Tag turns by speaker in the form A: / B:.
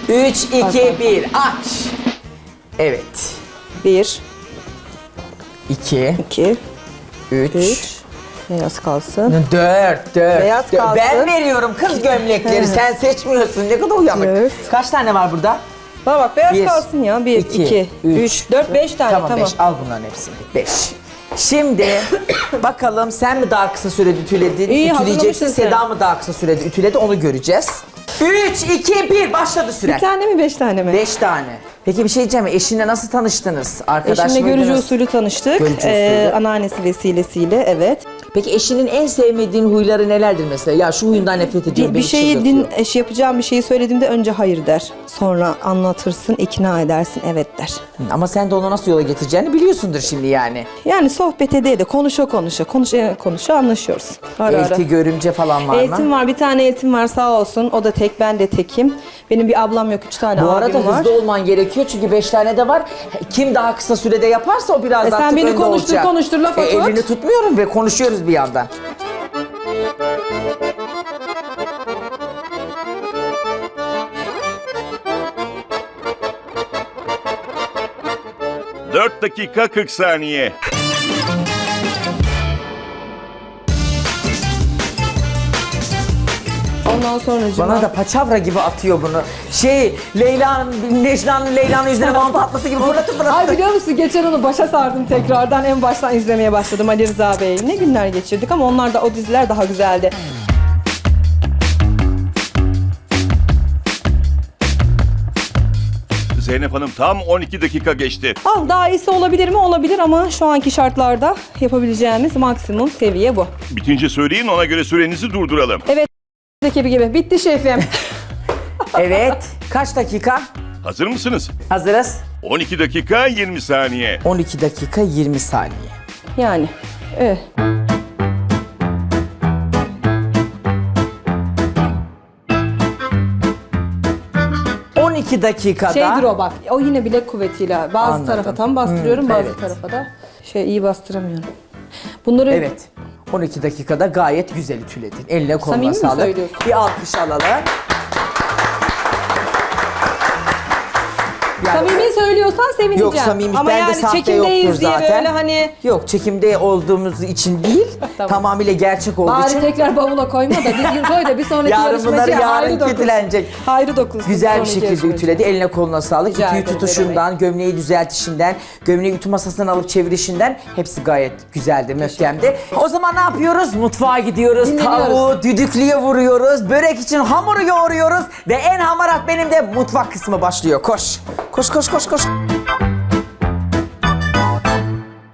A: 3, 2, 1 aç. Evet.
B: 1,
A: 2,
B: 2,
A: 3,
B: 3. Beyaz kalsın.
A: 4.
B: Beyaz kalsın.
A: Ben veriyorum kız gömlekleri. Sen seçmiyorsun. Ne kadar uyanık.
B: Dört.
A: Kaç tane var burada?
B: Bana bak beyaz
A: Bir,
B: kalsın ya. 1,
A: iki,
B: 2, 3, 4, 5 tane.
A: Tamam,
B: Tamam.
A: 5. Al bunların hepsini. 5. Şimdi bakalım sen mi daha kısa sürede ütüledin?
B: İyi,
A: Ütüleyeceksin.
B: hazırlamışsın sen.
A: Seda mı daha kısa sürede ütüledi onu göreceğiz. 3, 2, 1 başladı süren.
B: Bir tane mi 5 tane mi?
A: 5 tane. Peki bir şey diyeceğim. Eşinle nasıl tanıştınız? Arkadaş
B: Eşimle görücü
A: mıydınız?
B: usulü tanıştık.
A: Görücü usulü.
B: Anneannesi vesilesiyle, evet.
A: Peki eşinin en sevmediğin huyları nelerdir mesela? Ya şu huyundan nefret ediyorum.
B: Bir
A: beni
B: şeyi
A: çıldırtıyor.
B: yapacağım bir şeyi söylediğimde önce hayır der. Sonra anlatırsın, ikna edersin, evet der.
A: Ama sen de onu nasıl yola getireceğini biliyorsundur şimdi yani.
B: Yani sohbet ede de konuşa anlaşıyoruz. Ara ara.
A: Elti, görümce falan var mı?
B: Eltim var, bir tane eltim var sağ olsun. O da tek, ben de tekim. Benim bir ablam yok, 3 tane
A: Bu
B: abim
A: arada
B: var.
A: hızlı olman gerekiyor çünkü 5 tane de var. Kim daha kısa sürede yaparsa o biraz daha
B: sen beni
A: önde
B: konuştur,
A: olacak.
B: konuştur, laf at.
A: Elini tutmuyorum ve konuşuyoruz bir yandan.
C: Dört dakika 40 saniye.
B: Ondan sonra
A: Bana da paçavra gibi atıyor bunu. Leyla'nın yüzüne mantı atması gibi fırlatıp
B: Ay biliyor musun geçen onu başa sardım tekrardan. En baştan izlemeye başladım Ali Rıza Bey. Ne günler geçirdik ama onlar da o diziler daha güzeldi.
C: Zeynep Hanım tam 12 dakika geçti.
B: Daha iyisi olabilir mi? Olabilir ama şu anki şartlarda yapabileceğimiz maksimum seviye bu.
C: Bitince söyleyin ona göre sürenizi durduralım.
B: Evet ekibi gibi. Bitti şefim.
A: Evet. Kaç dakika?
C: Hazır mısınız?
A: Hazırız.
C: 12 dakika 20 saniye.
A: 12 dakika 20 saniye.
B: Yani. Evet.
A: 12 dakikada
B: Şeydir o bak. O yine bilek kuvvetiyle. Bazı
A: Anladım.
B: tarafa tam bastırıyorum, bazı
A: evet.
B: tarafa da iyi bastıramıyorum. Bunları
A: Evet. 12 dakikada gayet güzel ütüledin. Eline koluna
B: Samimi mi
A: sağlık.
B: söylüyorsun?
A: Bir alkış alalım. Yani-
B: samimi söylüyorsan sevineceğim.
A: Yok samimi,
B: ama
A: bende
B: yani
A: sahte
B: çekimdeyiz
A: yoktur
B: diye
A: zaten.
B: böyle hani
A: Yok çekimde olduğumuz için değil,
B: Tamam.
A: tamamıyla gerçek olduğu
B: bari
A: için.
B: tekrar bavula koyma da düzgün koy da bir sonraki
A: Yarın bunları
B: yarışmacıya
A: yarın
B: hayrı dokunsun.
A: kötülenecek.
B: Hayrı dokunsun.
A: Güzel bir
B: sonraki
A: şekilde
B: yarışmacıya.
A: ütüledi. Eline koluna sağlık.
B: Rica
A: Ütüyü
B: ederim,
A: tutuşundan, gömleği düzeltişinden, gömleği ütü masasından alıp çevirişinden hepsi gayet güzeldi, möhkemdi. O zaman ne yapıyoruz? Mutfağa gidiyoruz.
B: Dinleniyoruz.
A: Tavuğu düdüklüye vuruyoruz. Börek için hamuru yoğuruyoruz. Ve en hamarat benim de mutfak kısmı başlıyor. Koş. Koş, koş, koş, koş.